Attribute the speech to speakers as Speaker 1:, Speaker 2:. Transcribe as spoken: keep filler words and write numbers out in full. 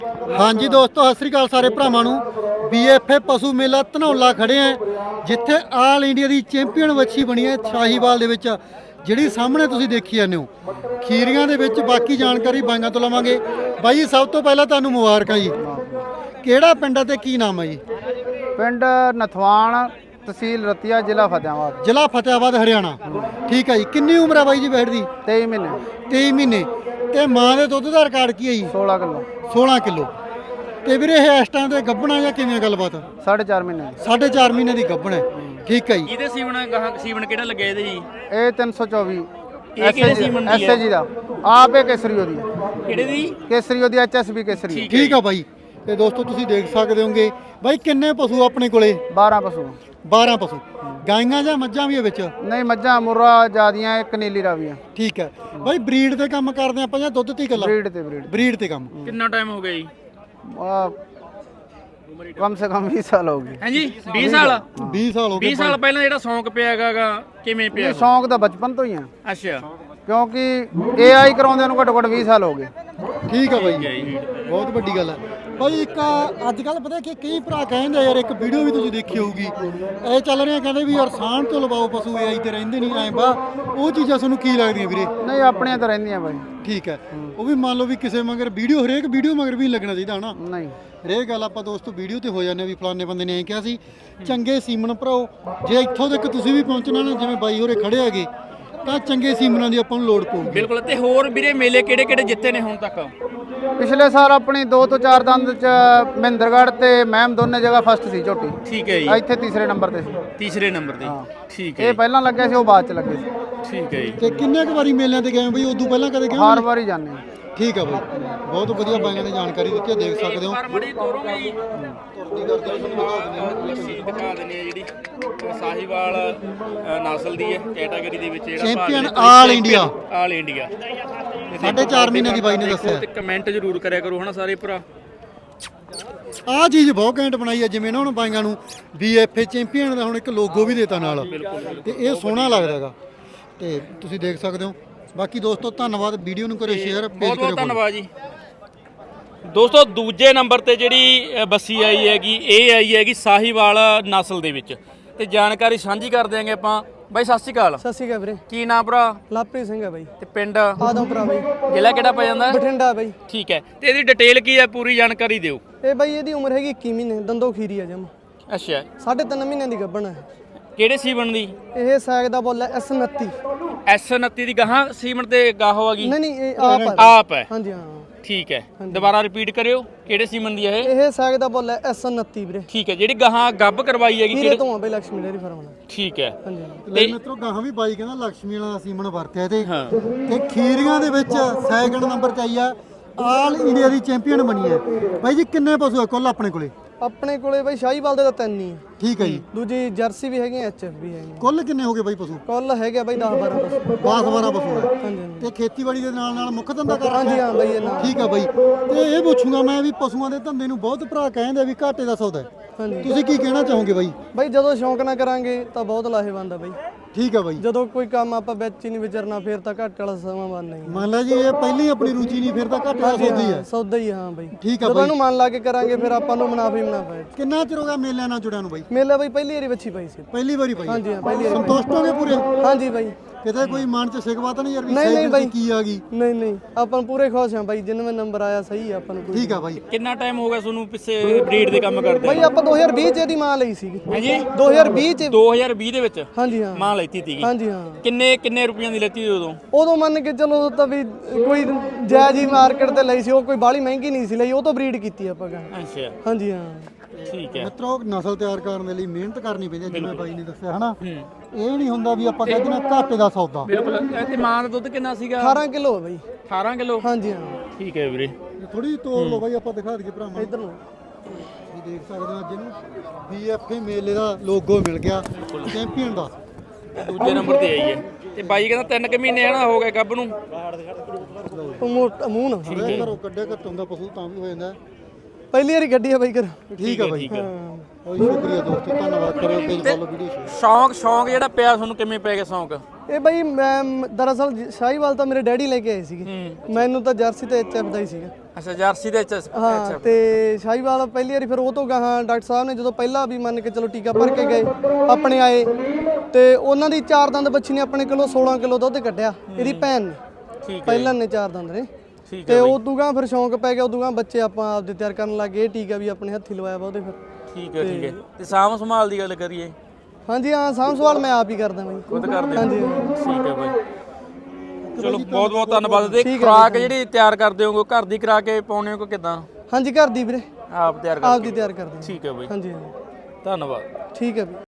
Speaker 1: हाँ जी दोस्तों, सत श्री अकाल सारे भरावां नूं। बी एफ ए पशु मेला धनौला खड़े हैं, जिथे आल इंडिया की चैंपीयन वच्छी बनी है शाहीवाल दे विच, जिहड़ी सामने तुसीं देखी जांदे हो। खीरियां दे विच बाकी जानकारी बाईआं तो लवांगे। बाई जी सब तो पहला तुहानूं मुबारकां जी। किहड़ा पिंड है ते की नाम है जी?
Speaker 2: पिंड नथवाण, तहसील रतिया, जिला फतेहाबाद।
Speaker 1: जिला फतेहाबाद हरियाणा। ठीक है जी। कितनी उम्र है बाई जी बैठ दी?
Speaker 2: तेई महीने
Speaker 1: तेई महीने। ते मां दे दुध दा रिकार्ड की है जी?
Speaker 2: सोलह किलो।
Speaker 1: सोलह किलो। ਤੇ ਵੀਰੇ ਇਹ ਇਸ ਟਾਈਮ ਤੇ ਗੱਭਣਾ ਜਾਂ ਕਿਵੇਂ ਗੱਲਬਾਤ?
Speaker 2: साढ़े चार महीने
Speaker 1: ਸਾਢੇ ਚਾਰ ਮਹੀਨੇ ਦੀ ਗੱਭਣ ਹੈ। ਠੀਕ ਹੈ ਜੀ।
Speaker 3: ਇਹਦੇ ਸੀਵਣ ਗਾਹਾਂ ਸੀਵਣ ਕਿਹੜਾ ਲੱਗਿਆ ਇਹਦੇ ਜੀ?
Speaker 2: ਇਹ तीन सौ चौबीस
Speaker 3: ਇਹ ਕਿਹੜੇ ਸੀਵਣ ਦੀ
Speaker 2: ਐਸਏ ਜੀ ਦਾ ਆਪ ਇਹ ਕੇਸਰੀ ਉਹਦੀ
Speaker 3: ਕਿਹੜੇ ਦੀ?
Speaker 2: ਕੇਸਰੀ ਉਹਦੀ ਐਚਐਸਬੀ ਕੇਸਰੀ।
Speaker 1: ਠੀਕ ਆ ਬਾਈ। ਤੇ ਦੋਸਤੋ ਤੁਸੀਂ ਦੇਖ ਸਕਦੇ ਹੋਗੇ ਬਾਈ ਕਿੰਨੇ ਪਸ਼ੂ ਆਪਣੇ ਕੋਲੇ?
Speaker 2: बारह पशु।
Speaker 1: ਬਾਰਾਂ ਪਸ਼ੂ। ਗਾਈਆਂ ਜਾਂ ਮੱਝਾਂ ਵੀ ਹੈ ਵਿੱਚ?
Speaker 2: ਨਹੀਂ ਮੱਝਾਂ ਮੁर्रा ਜਿਆਦੀਆਂ, ਇੱਕ ਨੀਲੀ ਰਾਵੀਆਂ।
Speaker 1: ਠੀਕ ਹੈ ਬਾਈ। ਬਰੀਡ ਤੇ ਕੰਮ ਕਰਦੇ ਆਪਾਂ ਜਾਂ ਦੁੱਧ ਤੇ ਇਕੱਲਾ?
Speaker 2: ਬਰੀਡ ਤੇ ਬਰੀਡ।
Speaker 1: ਬਰੀਡ ਤੇ ਕੰਮ।
Speaker 3: ਕਿੰਨਾ ਟਾਈਮ ਹੋ ਗਿਆ ਜੀ?
Speaker 2: ਆ ਕਮ ਸੇ ਕਮ बीस ਸਾਲ ਹੋ ਗਏ।
Speaker 3: ਹਾਂਜੀ बीस ਸਾਲ।
Speaker 1: ਵੀਹ ਸਾਲ ਹੋ ਗਏ।
Speaker 3: बीस ਸਾਲ ਪਹਿਲਾਂ ਜਿਹੜਾ ਸ਼ੌਂਕ ਪਿਆ ਹੈਗਾ ਕਿਵੇਂ ਪਿਆ?
Speaker 2: ਇਹ ਸ਼ੌਂਕ ਤਾਂ ਬਚਪਨ ਤੋਂ ਹੀ ਆ,
Speaker 3: ਅੱਛਾ।
Speaker 2: ਕਿਉਂਕਿ ਏਆਈ ਕਰਾਉਂਦੇ ਨੂੰ ਘੱਟੋ ਘੱਟ ਵੀਹ ਸਾਲ ਹੋ ਗਏ।
Speaker 1: ਠੀਕ ਆ ਬਾਈ ਜੀ, ਬਹੁਤ ਵੱਡੀ ਗੱਲ ਹੈ ਬਾਈ। ਇੱਕ ਅੱਜ ਕੱਲ ਪਤਾ ਕਿ ਕਈ ਭਰਾ ਕਹਿੰਦੇ ਯਾਰ, ਇੱਕ ਵੀਡੀਓ ਵੀ ਤੁਸੀਂ ਦੇਖੀ ਹੋਊਗੀ, ਇਹ ਚੱਲ ਰਿਹਾ ਕਹਿੰਦੇ ਵੀ ਯਾਰ ਸਾਂਢ ਤੋਂ ਲਵਾਓ ਪਸ਼ੂ, ਏਆਈ ਤੇ ਰਹਿੰਦੇ ਨਹੀਂ ਐਂ ਬਾ, ਉਹ ਚੀਜ਼ਾਂ ਤੁਹਾਨੂੰ ਕੀ ਲੱਗਦੀਆਂ ਵੀਰੇ?
Speaker 2: ਨਹੀਂ ਆਪਣੀਆਂ ਤਾਂ ਰਹਿੰਦੀਆਂ ਬਾਈ।
Speaker 1: ਠੀਕ ਹੈ। ਉਹ ਵੀ ਮੰਨ ਲਓ ਵੀ ਕਿਸੇ ਮਗਰ ਵੀਡੀਓ, ਹਰੇਕ ਵੀਡੀਓ ਮਗਰ ਵੀ ਲੱਗਣਾ ਚਾਹੀਦਾ ਹਨਾ।
Speaker 2: ਨਹੀਂ
Speaker 1: ਹਰੇਕ ਗੱਲ ਆਪਾਂ ਦੋਸਤੋ ਵੀਡੀਓ ਤੇ ਹੋ ਜਾਂਦੇ ਵੀ ਫਲਾਣੇ ਬੰਦੇ ਨੇ ਐਂ ਕਿਹਾ ਸੀ। ਚੰਗੇ ਸੀਮਨ ਭਰਾਓ, ਜੇ ਇੱਥੋਂ ਤੱਕ ਤੁਸੀਂ ਵੀ ਪਹੁੰਚਣਾ ਨਾ, ਜਿਵੇਂ ਬਾਈ ਹੋਰੇ ਖੜੇ ਹੈਗੇ, ਤਾਂ ਚੰਗੇ ਸੀਮਨਾਂ ਦੀ ਆਪਾਂ ਨੂੰ ਲੋੜ ਪਊਗੀ।
Speaker 3: ਬਿਲਕੁਲ। ਤੇ ਹੋਰ ਵੀਰੇ ਮੇਲੇ ਕਿਹੜੇ ਕਿਹੜੇ ਜਿੱਤੇ ਨੇ ਹੁਣ ਤੱਕ?
Speaker 2: ਪਿਛਲੇ ਸਾਲ ਆਪਣੀ ਦੋ ਤੋਂ ਚਾਰ ਦੰਦ ਚ ਮਹਿੰਦਰਗੜ੍ਹ ਤੇ ਮੈਮ ਦੋਨੇ ਜਗ੍ਹਾ ਫਸਟ ਸੀ ਝੋਟੀ।
Speaker 3: ਠੀਕ ਹੈ ਜੀ।
Speaker 2: ਇੱਥੇ ਤੀਸਰੇ ਨੰਬਰ ਤੇ ਸੀ।
Speaker 3: ਤੀਸਰੇ ਨੰਬਰ ਤੇ। ਠੀਕ ਹੈ
Speaker 2: ਇਹ ਪਹਿਲਾਂ ਲੱਗਿਆ ਸੀ, ਉਹ ਬਾਅਦ ਚ ਲੱਗੇ ਸੀ।
Speaker 3: ਠੀਕ ਹੈ ਜੀ।
Speaker 1: ਤੇ ਕਿੰਨੇ ਕੁ ਵਾਰੀ ਮੇਲਿਆਂ ਤੇ ਗਏ ਬਈ? ਉਦੋਂ ਪਹਿਲਾਂ ਕਦੇ ਗਏ?
Speaker 2: ਹਰ ਵਾਰੀ ਜਾਂਦੇ ਹਾਂ।
Speaker 1: ਠੀਕ ਆ ਬਾਈ, ਬਹੁਤ ਵਧੀਆ ਬਾਈਆਂ ਨੇ ਜਾਣਕਾਰੀ ਦਿੱਤੀ ਹੈ, ਦੇਖ ਸਕਦੇ ਹੋ।
Speaker 3: ਪਰ ਬੜੀ ਤੋਰੋਗੇ ਜੀ।
Speaker 1: ਤੁਰਦੀ ਕਰਦੇ
Speaker 3: ਲੱਸੀ ਦਿਖਾ ਦਿੰਦੇ ਆ ਜਿਹੜੀ ਸਾਹੀਵਾਲ ਅ, ਨਸਲ ਦੀ ਹੈ ਕੈਟਾਗਰੀ ਦੇ ਵਿੱਚ ਜਿਹੜਾ
Speaker 1: champion all India.
Speaker 3: All India.
Speaker 1: ਸਾਢੇ ਚਾਰ ਮਹੀਨੇ ਦੀ ਬਾਈ ਨੇ ਦੱਸਿਆ।
Speaker 3: ਤੇ ਕਮੈਂਟ ਜ਼ਰੂਰ ਕਰਿਆ ਕਰੋ ਹਨਾ ਸਾਰੇ ਭਰਾ।
Speaker 1: ਆਹ ਚੀਜ਼ ਬਹੁਤ ਘੈਂਟ ਬਣਾਈ ਹੈ, ਜਿਵੇਂ ਨਾ ਹੁਣ ਬਾਈਆਂ ਨੂੰ ਬੀ ਐਫ ਏ ਚੈਂਪੀਅਨ ਦਾ ਹੁਣ ਇੱਕ ਲੋਗੋ ਵੀ ਦੇਤਾ ਨਾਲ, ਤੇ ਇਹ ਸੋਹਣਾ ਲੱਗਦਾ ਹੈਗਾ, ਤੇ ਤੁਸੀਂ ਦੇਖ ਸਕਦੇ ਹੋ। ਬਾਕੀ ਦੋਸਤੋ ਧੰਨਵਾਦ, ਵੀਡੀਓ ਨੂੰ ਕਰਿਓ ਸ਼ੇਅਰ, ਪੇਜ
Speaker 3: ਬਹੁਤ
Speaker 1: ਕਰਿਓ
Speaker 3: ਬਹੁਤ ਧੰਨਵਾਦ ਜੀ ਦੋਸਤੋ। ਦੂਜੇ ਨੰਬਰ ਤੇ ਜਿਹੜੀ ਅ, ਬੱਸੀ ਆਈ ਹੈਗੀ, ਇਹ ਆਈ ਹੈਗੀ ਸਾਹੀਵਾਲ ਨਸਲ ਦੇ ਵਿੱਚ, ਤੇ ਜਾਣਕਾਰੀ ਸਾਂਝੀ ਕਰ ਦਿਆਂਗੇ ਆਪਾਂ। ਬਾਈ ਸਤਿ ਸ਼੍ਰੀ ਅਕਾਲ।
Speaker 4: ਸਤਿ ਸ਼੍ਰੀ ਅਕਾਲ ਵੀਰੇ।
Speaker 3: ਕੀ ਨਾਮ ਭਰਾ?
Speaker 4: ਲਾਪਰੀ ਸਿੰਘ ਹੈ ਬਾਈ।
Speaker 3: ਤੇ ਪਿੰਡ?
Speaker 4: ਆਦਮਪੁਰਾ ਬਾਈ।
Speaker 3: ਜ਼ਿਲ੍ਹਾ ਕਿਹੜਾ ਪੈ ਜਾਂਦਾ?
Speaker 4: ਬਠਿੰਡਾ ਬਾਈ।
Speaker 3: ਠੀਕ ਹੈ। ਤੇ ਇਹਦੀ ਡਿਟੇਲ ਕੀ ਹੈ, ਪੂਰੀ ਜਾਣਕਾਰੀ ਦਿਓ।
Speaker 4: ਇਹ ਬਾਈ ਇਹਦੀ ਉਮਰ ਹੈਗੀ ਇੱਕੀ ਮਹੀਨੇ, ਦੰਦੋ ਖੀਰੀ ਆ ਜਮ।
Speaker 3: ਅੱਛਾ।
Speaker 4: ਸਾਢੇ ਤਿੰਨ ਮਹੀਨਿਆਂ ਦੀ ਗੱਭਣ ਹੈ।
Speaker 3: ਕਿਹੜੇ ਸੀਵਣ ਦੀ?
Speaker 4: ਇਹ ਸੈਗ ਦਾ ਬੋਲ ਹੈ ਐਸ ਉਨੱਤੀ।
Speaker 3: ਐਸ ਉਨੱਤੀ ਦੀ ਗਾਹਾਂ ਸੀਮਨ ਤੇ ਗਾਹੋ ਆ ਗਈ?
Speaker 4: ਨਹੀਂ ਨਹੀਂ ਇਹ ਆਪ ਹੈ।
Speaker 3: ਆਪ ਹੈ।
Speaker 4: ਹਾਂਜੀ ਹਾਂ।
Speaker 3: ਠੀਕ ਹੈ। ਦੁਬਾਰਾ ਰਿਪੀਟ ਕਰਿਓ, ਕਿਹੜੇ ਸੀਮਨ ਦੀ ਹੈ ਇਹ?
Speaker 4: ਇਹ ਸੈਗ ਦਾ ਬੋਲ ਹੈ ਐਸ ਉਨੱਤੀ ਵੀਰੇ।
Speaker 3: ਠੀਕ ਹੈ। ਜਿਹੜੀ ਗਾਹਾਂ ਗੱਭ ਕਰਵਾਈ ਹੈਗੀ
Speaker 4: ਵੀਰੇ ਤੋਂ ਆ ਬਾਈ, ਲక్ష్ਮੀ ਡੇਅਰੀ ਫਾਰਮ ਨਾਲ।
Speaker 3: ਠੀਕ ਹੈ।
Speaker 4: ਹਾਂਜੀ
Speaker 1: ਲੈ ਮਿੱਤਰੋ, ਗਾਹਾਂ ਵੀ ਬਾਈ ਕਹਿੰਦਾ ਲక్ష్ਮੀ ਵਾਲਾ ਸੀਮਨ ਵਰਤਿਆ ਤੇ
Speaker 3: ਹਾਂ।
Speaker 1: ਤੇ ਖੀਰੀਆਂ ਦੇ ਵਿੱਚ ਸੈਕਿੰਡ ਨੰਬਰ ਤੇ ਆਈ ਆ, ਆਲ ਇੰਡੀਆ ਦੀ ਚੈਂਪੀਅਨ ਬਣੀ ਹੈ। ਬਾਈ ਜੀ ਕਿੰਨੇ ਪਸ਼ੂ ਆ ਕੁੱਲ ਆਪਣੇ ਕੋਲੇ?
Speaker 4: ਆਪਣੇ ਕੋਲੇ ਬਾਈ ਸ਼ਾਹੀਵਾਲ ਦੇ ਤਾਂ ਤਿੰਨ ਹੀ ਆ।
Speaker 1: ਠੀਕ ਹੈ ਜੀ।
Speaker 4: ਦੂਜੀ ਜਰਸੀ ਵੀ ਹੈਗੀ, ਐਚ ਐਫ ਵੀ ਹੈਗੀ।
Speaker 1: ਕੁੱਲ ਕਿੰਨੇ ਹੋ ਗਏ ਬਾਈ ਪਸ਼ੂ?
Speaker 4: ਕੁੱਲ ਹੈਗੇ ਬਾਈ ਦਸ ਬਾਰਾਂ ਪਸ਼ੂ।
Speaker 1: ਦਸ ਬਾਰਾਂ ਪਸ਼ੂ ਹੈ।
Speaker 4: ਹਾਂਜੀ ਹਾਂਜੀ।
Speaker 1: ਤੇ ਖੇਤੀਬਾੜੀ ਦੇ ਨਾਲ ਨਾਲ ਮੁੱਖ ਧੰਦਾ ਕਰ
Speaker 4: ਹਾਂਜੀ
Speaker 1: ਰੱਖਿਆ?
Speaker 4: ਹਾਂ ਬਾਈ ਇਹ ਨਾਲ।
Speaker 1: ਠੀਕ ਆ ਬਾਈ। ਤੇ ਇਹ ਪੁੱਛੂੰਗਾ ਮੈਂ ਵੀ ਪਸ਼ੂਆਂ ਦੇ ਧੰਦੇ ਨੂੰ ਬਹੁਤ ਭਰਾ ਕਹਿੰਦੇ ਆ ਵੀ ਘਾਟੇ ਦਾ ਸੌਦਾ ਹੈ,
Speaker 4: ਹਾਂਜੀ
Speaker 1: ਤੁਸੀਂ ਕੀ ਕਹਿਣਾ ਚਾਹੋਗੇ ਬਾਈ?
Speaker 4: ਬਾਈ ਜਦੋਂ ਸ਼ੌਂਕ ਨਾ ਕਰਾਂਗੇ ਤਾਂ ਬਹੁਤ ਲਾਹੇਵੰਦ ਆ ਬਾਈ।
Speaker 1: ਠੀਕ ਆ ਬਾਈ।
Speaker 4: ਜਦੋਂ ਕੋਈ ਕੰਮ ਆਪਾਂ ਵਿੱਚ ਹੀ ਨਹੀਂ ਵਿਚਰਨਾ, ਫਿਰ ਤਾਂ ਘੱਟ ਵਾਲਾ ਸਮਾਂ ਬਣ ਨਹੀਂ।
Speaker 1: ਮੰਨ ਲਾ ਜੀ ਇਹ ਪਹਿਲੀ ਆਪਣੀ ਰੁਚੀ ਨਹੀਂ, ਫਿਰ ਤਾਂ ਘਾਟੇ ਦਾ ਸੌਦਾ ਹੀ ਹੈ।
Speaker 4: ਸੌਦਾ ਹੀ ਹਾਂ ਬਾਈ।
Speaker 1: ਠੀਕ ਆ
Speaker 4: ਜਦੋਂ
Speaker 1: ਬਾਈ।
Speaker 4: ਇਹਨੂੰ ਮਨ ਲਾ ਕੇ ਕਰਾਂਗੇ ਫਿਰ ਆਪਾਂ ਨੂੰ ਮੁਨਾਫਾ ਹੀ ਮੁਨਾਫਾ ਹੈ।
Speaker 1: ਕਿੰਨਾ ਚਿਰ ਹੋ ਗਿਆ ਮੇਲਿਆਂ ਨਾਲ ਜੁੜਿਆ ਨੂੰ ਬਾਈ?
Speaker 4: ਮੇਲਾ ਬਾਈ ਪਹਿਲੀ ਵਾਰੀ ਵੱਛੀ ਪਾਈ ਸੀ।
Speaker 1: ਪਹਿਲੀ ਵਾਰੀ ਬਾਈ?
Speaker 4: ਹਾਂਜੀ ਹਾਂ ਪਹਿਲੀ ਵਾਰੀ।
Speaker 1: ਸੰਤੁਸ਼ਟ ਹੋਗੇ ਪੂਰੇ?
Speaker 4: ਹਾਂਜੀ ਬਾਈ।
Speaker 1: ਕਿਤੇ ਕੋਈ ਮਨ ਚ ਸ਼ਿਕਵਾ ਤਾਂ ਨਹੀਂ ਯਾਰ ਵੀ
Speaker 4: ਨਹੀਂ ਨਹੀਂ
Speaker 1: ਸੈਕਿੰਡ
Speaker 4: ਬਾਈ।
Speaker 1: ਤੇ ਕੀ ਆ ਗਈ?
Speaker 4: ਨਹੀਂ ਨਹੀਂ ਆਪਾਂ ਨੂੰ ਪੂਰੇ ਖੁਸ਼ ਹਾਂ ਬਾਈ, ਜਿੰਨਵੇਂ ਨੰਬਰ ਆਇਆ ਸਹੀ ਆ ਆਪਾਂ ਨੂੰ।
Speaker 1: ਠੀਕ ਆ ਬਾਈ।
Speaker 3: ਕਿੰਨਾ ਟਾਈਮ ਹੋ ਗਿਆ ਤੁਹਾਨੂੰ ਪਿੱਛੇ ਬਰੀਡ ਦੇ ਕੰਮ ਕਰਦੇ?
Speaker 4: ਬਾਈ ਆਪਾਂ ਦੋ ਹਜ਼ਾਰ ਵੀਹ ਚ ਇਹਦੀ ਮਾਂ ਲਈ ਸੀਗੀ।
Speaker 3: ਹਾਂਜੀ
Speaker 4: ਦੋ ਹਜ਼ਾਰ ਵੀਹ ਚ।
Speaker 3: ਦੋ ਹਜ਼ਾਰ ਵੀਹ ਦੇ ਵਿੱਚ
Speaker 4: ਹਾਂਜੀ ਹਾਂ।
Speaker 3: ਮਾਂ ਲੈਤੀ ਸੀਗੀ?
Speaker 4: ਹਾਂਜੀ ਹਾਂ।
Speaker 3: ਕਿੰਨੇ ਕਿੰਨੇ ਰੁਪਈਆਂ ਦੀ ਲੈਤੀ ਉਦੋਂ?
Speaker 4: ਉਦੋਂ ਮੰਨ ਕੇ ਚਲੋ ਤਾਂ ਵੀ ਕੋਈ ਜਾਇਜ਼ ਹੀ ਮਾਰਕੀਟ ਤੇ ਲਈ ਸੀ, ਉਹ ਕੋਈ ਬਾਹਲੀ ਮਹਿੰਗੀ ਨਹੀਂ ਸੀ ਲਈ, ਉਹ ਤੋਂ ਬਰੀਡ ਕੀਤੀ ਆਪਾਂ ਗਾ।
Speaker 3: ਅੱਛਾ।
Speaker 4: ਹਾਂਜੀ ਹਾਂ।
Speaker 3: ਠੀਕ ਹੈ।
Speaker 1: ਮਿੱਤਰੋ ਨਸਲ ਤਿਆਰ ਕਰਨ ਦੇ ਲਈ ਮਿਹਨਤ ਕਰਨੀ ਪੈਂਦੀ ਹੈ, ਜਿਵੇਂ ਬਾਈ ਨੇ ਦੱਸਿਆ ਹਨਾ। ਇਹ ਨਹੀਂ ਹੁੰਦਾ ਵੀ ਆਪਾਂ ਕਹਿੰਦੇ ਨਾ ਘਾਟੇ ਦਾ ਸੌਦਾ।
Speaker 3: ਬਿਲਕੁਲ। ਤੇ ਮਾਂ ਦਾ ਦੁੱਧ ਕਿੰਨਾ ਸੀਗਾ?
Speaker 4: ਅਠਾਰਾਂ ਕਿਲੋ ਬਾਈ।
Speaker 3: ਅਠਾਰਾਂ ਕਿਲੋ?
Speaker 4: ਹਾਂਜੀ ਹਾਂ।
Speaker 3: ਠੀਕ ਹੈ ਵੀਰੇ।
Speaker 1: ਥੋੜੀ ਤੋੜ ਲਓ ਬਾਈ, ਆਪਾਂ ਦਿਖਾ ਦਈਏ ਭਰਾਵਾਂ ਨੂੰ।
Speaker 4: ਇੱਧਰ ਨੂੰ
Speaker 1: ਤੁਸੀਂ ਦੇਖ ਸਕਦੇ ਹੋ ਅੱਜ ਇਹਨੂੰ ਬੀ ਐਫ ਏ ਮੇਲੇ ਦਾ ਲੋਗੋ ਮਿਲ ਗਿਆ ਚੈਂਪੀਅਨ ਦਾ।
Speaker 3: ਦੂਜੇ ਨੰਬਰ ਤੇ ਆਈ ਹੈ। ਤੇ ਬਾਈ ਕਹਿੰਦਾ ਤਿੰਨ ਕੁ ਮਹੀਨੇ ਹਨਾ ਹੋ ਗਏ ਗੱਭ ਨੂੰ।
Speaker 4: ਉਹ ਮੋਟਾ ਮੂੰਹ ਨਾ।
Speaker 1: ਘਰੋਂ ਕੱਢੇ ਘੱਟੋਂ ਦਾ ਪਸ਼ੂ ਤਾਂ ਵੀ ਹੋ ਜਾਂਦਾ।
Speaker 4: ਪਹਿਲੀ ਵਾਰੀ ਗੱਡੀ ਆ ਬਾਈ ਕਰ।
Speaker 1: ਠੀਕ ਆ ਬਾਈ।
Speaker 3: ਠੀਕ ਹੈ।
Speaker 1: ਬਹੁਤ ਸ਼ੁਕਰੀਆ ਦੋਸਤੋ, ਧੰਨਵਾਦ। ਕਰਿਓ ਪੇਜ ਫੋਲੋ, ਵੀਡੀਓ ਸ਼ੇਅਰ।
Speaker 3: ਸ਼ੌਂਕ ਸ਼ੌਂਕ ਜਿਹੜਾ ਪਿਆ ਤੁਹਾਨੂੰ ਕਿਵੇਂ ਪੈ ਗਿਆ ਸ਼ੌਂਕ?
Speaker 4: ਇਹ ਬਾਈ ਮੈਂ ਦਰਅਸਲ ਸ਼ਾਹੀਵਾਲ ਤਾਂ ਮੇਰੇ ਡੈਡੀ ਲੈ ਕੇ ਆਏ ਸੀਗੇ, ਮੈਨੂੰ ਤਾਂ ਜਰਸੀ ਤੇ ਐਚ ਐਫ ਦਾ ਹੀ ਸੀਗਾ।
Speaker 3: ਅੱਛਾ ਜਰਸੀ ਦੇ ਵਿੱਚ
Speaker 4: ਹਾਂ ਤੇ ਸ਼ਾਹੀਵਾਲ ਪਹਿਲੀ ਵਾਰੀ, ਫਿਰ ਉਹ ਤੋਂ ਗਾਹਾਂ ਡਾਕਟਰ ਸਾਹਿਬ ਨੇ ਜਦੋਂ ਪਹਿਲਾਂ ਵੀ ਮੰਨ ਕੇ ਚਲੋ ਟੀਕਾ ਭਰ ਕੇ ਗਏ ਆਪਣੇ ਆਏ, ਤੇ ਉਹਨਾਂ ਦੀ ਚਾਰ ਦੰਦ ਬੱਚੀ ਨੇ ਆਪਣੇ ਕੋਲੋਂ ਸੋਲਾਂ ਕਿਲੋ ਦੁੱਧ ਕੱਢਿਆ, ਇਹਦੀ ਭੈਣ ਨੇ।
Speaker 3: ਠੀਕ ਹੈ
Speaker 4: ਪਹਿਲਾਂ ਨੇ ਚਾਰ ਦੰਦ ਨੇ,
Speaker 3: ਠੀਕ
Speaker 4: ਤੇ ਉਹ ਦੂਗਾ ਫਿਰ ਸ਼ੌਂਕ ਪੈ ਗਿਆ, ਉਦੋਂ ਬੱਚੇ ਆਪਾਂ ਆਪਦੇ ਤਿਆਰ ਕਰਨ ਲੱਗ ਗਏ। ਇਹ ਟੀਕਾ ਵੀ ਆਪਣੇ ਹੱਥੀ ਲਵਾਇਆ ਵਾ ਉਹਦੇ ਫਿਰ।
Speaker 3: ਠੀਕ ਹੈ ਠੀਕ ਹੈ। ਤੇ ਸਾਂਭ ਸੰਭਾਲ ਦੀ ਗੱਲ ਕਰੀਏ?
Speaker 4: ਹਾਂਜੀ ਹਾਂ, ਸਾਂਭ ਸੰਭਾਲ ਮੈਂ ਆਪ ਹੀ ਕਰਦਾ ਬਾਈ,
Speaker 3: ਖੁਦ ਕਰਦੇ ਹੋ?
Speaker 4: ਹਾਂਜੀ
Speaker 3: ਠੀਕ ਹੈ ਬਾਈ, ਚਲੋ ਬਹੁਤ ਬਹੁਤ ਧੰਨਵਾਦ। ਤੇ ਖੁਰਾਕ ਜਿਹੜੀ ਤਿਆਰ ਕਰਦੇ ਹੋਗੇ ਘਰ ਦੀ ਕਰਾ ਕੇ ਪਾਉਣੇ ਹੋ ਕਿਦਾਂ?
Speaker 4: ਹਾਂਜੀ ਘਰ ਦੀ ਵੀਰੇ,
Speaker 3: ਆਪ ਤਿਆਰ
Speaker 4: ਆਪ
Speaker 3: ਕਰਦੇ?
Speaker 4: ਦੀ ਤਿਆਰ ਕਰਦੇ।
Speaker 3: ਠੀਕ ਹੈ ਬਾਈ,
Speaker 4: ਹਾਂਜੀ
Speaker 3: ਧੰਨਵਾਦ।
Speaker 4: ਠੀਕ ਹੈ ਵੀਰੇ।